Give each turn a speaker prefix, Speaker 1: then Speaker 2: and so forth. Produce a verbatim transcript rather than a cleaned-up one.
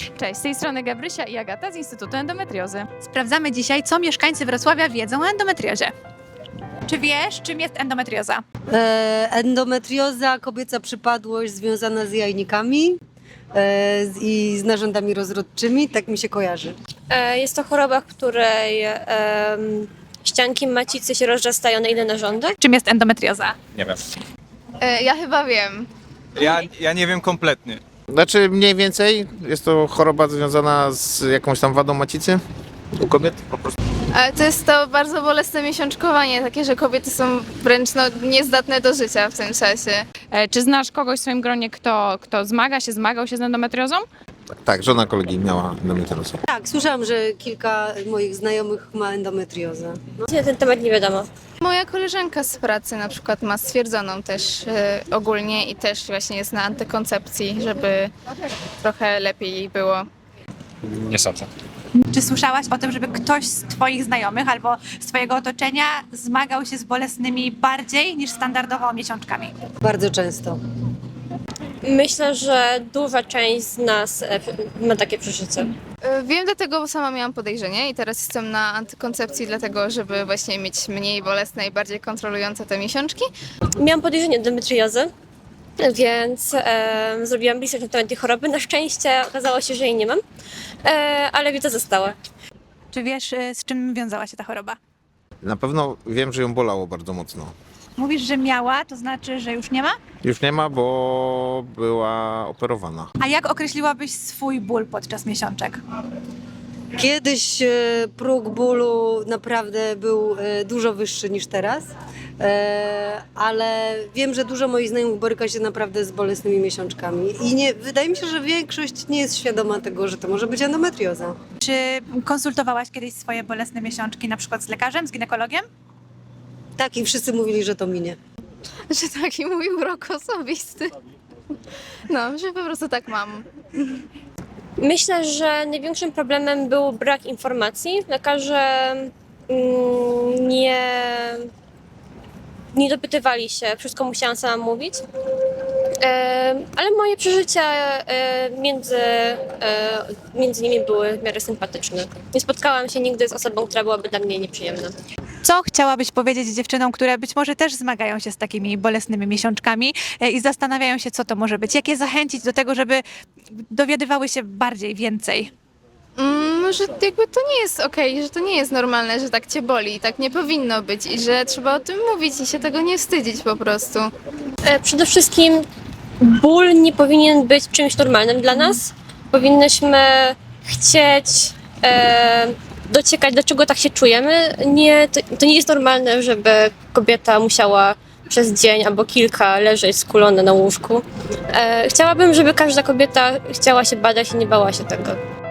Speaker 1: Cześć, z tej strony Gabrysia i Agata z Instytutu Endometriozy.
Speaker 2: Sprawdzamy dzisiaj, co mieszkańcy Wrocławia wiedzą o endometriozie. Czy wiesz, czym jest endometrioza?
Speaker 3: E, endometrioza, kobieca przypadłość związana z jajnikami e, z, i z narządami rozrodczymi, tak mi się kojarzy.
Speaker 4: E, Jest to choroba, w której em, ścianki macicy się rozrastają na inne narządy.
Speaker 2: Czym jest endometrioza?
Speaker 5: Nie wiem.
Speaker 1: E, ja chyba wiem.
Speaker 5: Ja, ja nie wiem kompletnie.
Speaker 6: Znaczy mniej więcej jest to choroba związana z jakąś tam wadą macicy u kobiet po prostu.
Speaker 7: Ale to jest to bardzo bolesne miesiączkowanie, takie, że kobiety są wręcz no, niezdatne do życia w tym czasie.
Speaker 1: E, czy znasz kogoś w swoim gronie, kto, kto zmaga się, zmagał się z endometriozą?
Speaker 6: Tak, tak, żona kolegi miała endometriozę.
Speaker 3: Tak, słyszałam, że kilka moich znajomych ma endometriozę.
Speaker 4: Na ten temat nie wiadomo.
Speaker 7: Moja koleżanka z pracy na przykład ma stwierdzoną też e, ogólnie i też właśnie jest na antykoncepcji, żeby trochę lepiej jej było.
Speaker 5: Nie sądzę.
Speaker 2: Czy słyszałaś o tym, żeby ktoś z twoich znajomych albo z twojego otoczenia zmagał się z bolesnymi bardziej niż standardowo miesiączkami?
Speaker 3: Bardzo często.
Speaker 4: Myślę, że duża część z nas e, ma takie przeżycie.
Speaker 7: E, Wiem dlatego, bo sama miałam podejrzenie i teraz jestem na antykoncepcji dlatego, żeby właśnie mieć mniej bolesne i bardziej kontrolujące te miesiączki.
Speaker 4: Miałam podejrzenie endometriozy, więc e, zrobiłam research na temat tej choroby. Na szczęście okazało się, że jej nie mam, e, ale wiedza została.
Speaker 2: Czy wiesz, y, z czym wiązała się ta choroba?
Speaker 6: Na pewno wiem, że ją bolało bardzo mocno.
Speaker 2: Mówisz, że miała, to znaczy, że już nie ma?
Speaker 6: Już nie ma, bo była operowana.
Speaker 2: A jak określiłabyś swój ból podczas miesiączek?
Speaker 3: Kiedyś e, próg bólu naprawdę był e, dużo wyższy niż teraz, e, ale wiem, że dużo moich znajomych boryka się naprawdę z bolesnymi miesiączkami i nie, wydaje mi się, że większość nie jest świadoma tego, że to może być endometrioza.
Speaker 2: Czy konsultowałaś kiedyś swoje bolesne miesiączki na przykład z lekarzem, z ginekologiem?
Speaker 3: Tak, i wszyscy mówili, że to minie.
Speaker 7: Że taki mój urok osobisty. No, że po prostu tak mam.
Speaker 4: Myślę, że największym problemem był brak informacji. Lekarze mm, nie, nie dopytywali się, wszystko musiałam sama mówić. E, ale moje przeżycia e, między, e, między nimi były w miarę sympatyczne. Nie spotkałam się nigdy z osobą, która byłaby dla mnie nieprzyjemna.
Speaker 2: Co chciałabyś powiedzieć dziewczynom, które być może też zmagają się z takimi bolesnymi miesiączkami e, i zastanawiają się, co to może być? Jak je zachęcić do tego, żeby dowiadywały się bardziej, więcej?
Speaker 7: Mm, że jakby to nie jest okej, że to nie jest normalne, że tak cię boli, tak nie powinno być i że trzeba o tym mówić i się tego nie wstydzić po prostu.
Speaker 4: E, Przede wszystkim ból nie powinien być czymś normalnym dla nas. Powinnyśmy chcieć e, dociekać, dlaczego tak się czujemy. Nie, to, to nie jest normalne, żeby kobieta musiała przez dzień albo kilka leżeć skulona na łóżku. E, chciałabym, żeby każda kobieta chciała się badać i nie bała się tego.